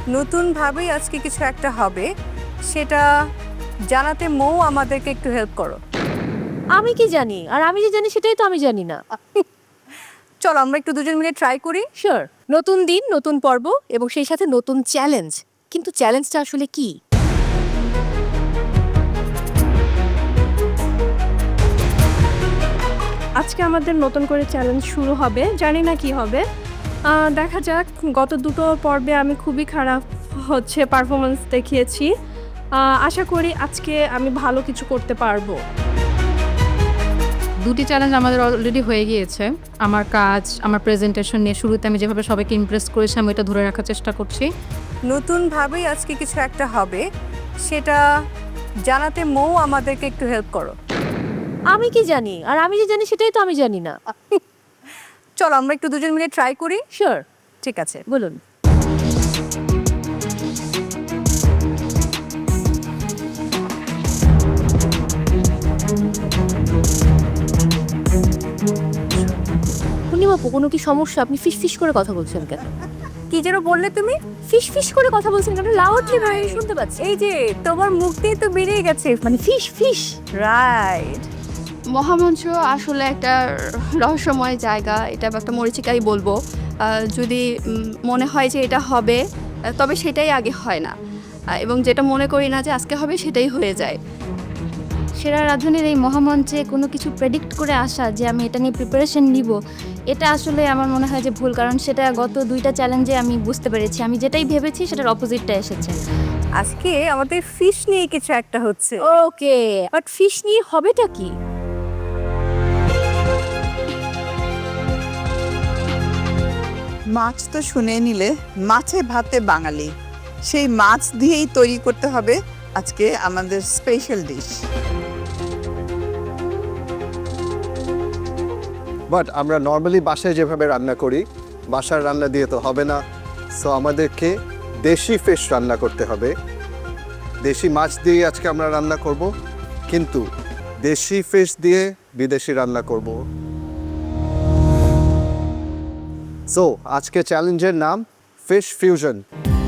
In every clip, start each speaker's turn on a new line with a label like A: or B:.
A: নতুনভাবেই আজকে কিছু একটা হবে, সেটা জানাতে মৌ আমাদেরকে একটু হেল্প করো।
B: আমি কি জানি? আর আমি যে জানি সেটাই তো আমি জানি না।
A: চলো আমরা একটু দুজন মিলে ট্রাই করি।
B: শিওর। নতুন দিন, নতুন পর্ব এবং সেই সাথে নতুন চ্যালেঞ্জ। কিন্তু চ্যালেঞ্জটা আসলে কি?
C: আজকে আমাদের নতুন করে চ্যালেঞ্জ শুরু হবে, জানি না কি হবে। দেখা যাক। গত দুটো পর্বে আমি খুবই খারাপ পারফরমেন্স দেখিয়েছি। আশা করি আজকে আমি ভালো কিছু করতে পারবো।
D: দুটি চ্যালেঞ্জ আমাদের অলরেডি হয়ে গিয়েছে। আমার কাজ, আমার প্রেজেন্টেশন নিয়ে শুরুতে আমি যেভাবে সবাইকে ইমপ্রেস করেছি আমি এটা ধরে রাখার চেষ্টা করছি।
A: নতুনভাবেই আজকে কিছু একটা হবে, সেটা জানাতে মৌ আমাদেরকে একটু হেল্প করো।
B: আমি কি জানি? আর আমি যে জানি সেটাই তো আমি জানি না।
A: চলো আমরা একটু দুজন মিলে ট্রাই করি।
B: শিওর।
A: ঠিক আছে।
B: বলুন। পূর্ণিমা আপু, কোনো কি সমস্যা? আপনি ফিস ফিস করে কথা বলছেন কেন?
A: কি যেন বললে তুমি?
B: ফিস ফিস করে কথা বলছেন কেন? লাউডলি ভাই শুনতে পাচ্ছি।
A: এই যে তোমার মুখ দিয়ে তো বেরিয়ে গেছে।
B: মানে ফিস ফিস।
A: রাইট।
E: মহামঞ্চ আসলে একটা রহস্যময় জায়গা, এটা একটা মরীচিকাই বলবো। যদি মনে হয় যে এটা হবে, তবে সেটাই আগে হয় না, এবং যেটা মনে করি না যে আজকে হবে সেটাই হয়ে যায়।
F: সেরা রাঁধুনির এই মহামঞ্চে কোনো কিছু প্রেডিক্ট করে আসা যে আমি এটা নিয়ে প্রিপারেশন নিব, এটা আসলে আমার মনে হয় যে ভুল, কারণ সেটা গত দুইটা চ্যালেঞ্জে আমি বুঝতে পেরেছি আমি যেটাই ভেবেছি সেটার অপোজিটটা এসেছে।
A: আজকে আমাদের ফিশ নিয়ে কিছু একটা হচ্ছে।
B: ওকে, বাট ফিশ নিয়ে হবেটা কি?
G: মাছ তো শুনে নিলে, মাছে ভাতে বাঙালি, সেই মাছ দিয়েই তৈরি করতে হবে আজকে আমাদের স্পেশাল ডিশ।
H: বাট আমরা নর্মালি বাসায় যেভাবে রান্না করি, বাসার রান্না দিয়ে তো হবে না। সো আমাদেরকে দেশি ফিশ রান্না করতে হবে। দেশি মাছ দিয়ে আজকে আমরা রান্না করব, কিন্তু দেশি ফিশ দিয়ে বিদেশি রান্না করব। সো আজকে চ্যালেঞ্জের নাম ফিশ ফিউশন।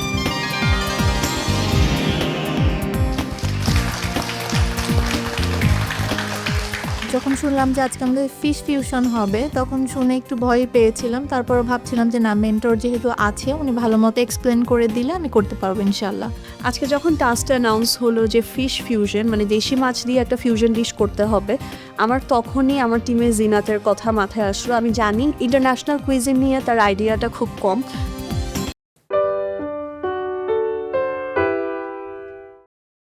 I: যখন শুনলাম যে আজকে আমাদের ফিশ ফিউশন হবে, তখন শুনে একটু ভয় পেয়েছিলাম। তারপর ভাবছিলাম যে না, মেন্টর যেহেতু আছে, উনি ভালো মতো এক্সপ্লেন করে দিলে আমি করতে পারবো ইনশাল্লাহ।
C: আজকে যখন টাস্কটা অ্যানাউন্স হলো যে ফিশ ফিউশন, মানে দেশি মাছ দিয়ে একটা ফিউশন ডিশ করতে হবে, আমার তখনই আমার টিমে জিনাতের কথা মাথায় আসলো। আমি জানি ইন্টারন্যাশনাল কুইজিন নিয়ে তার আইডিয়াটা খুব কম,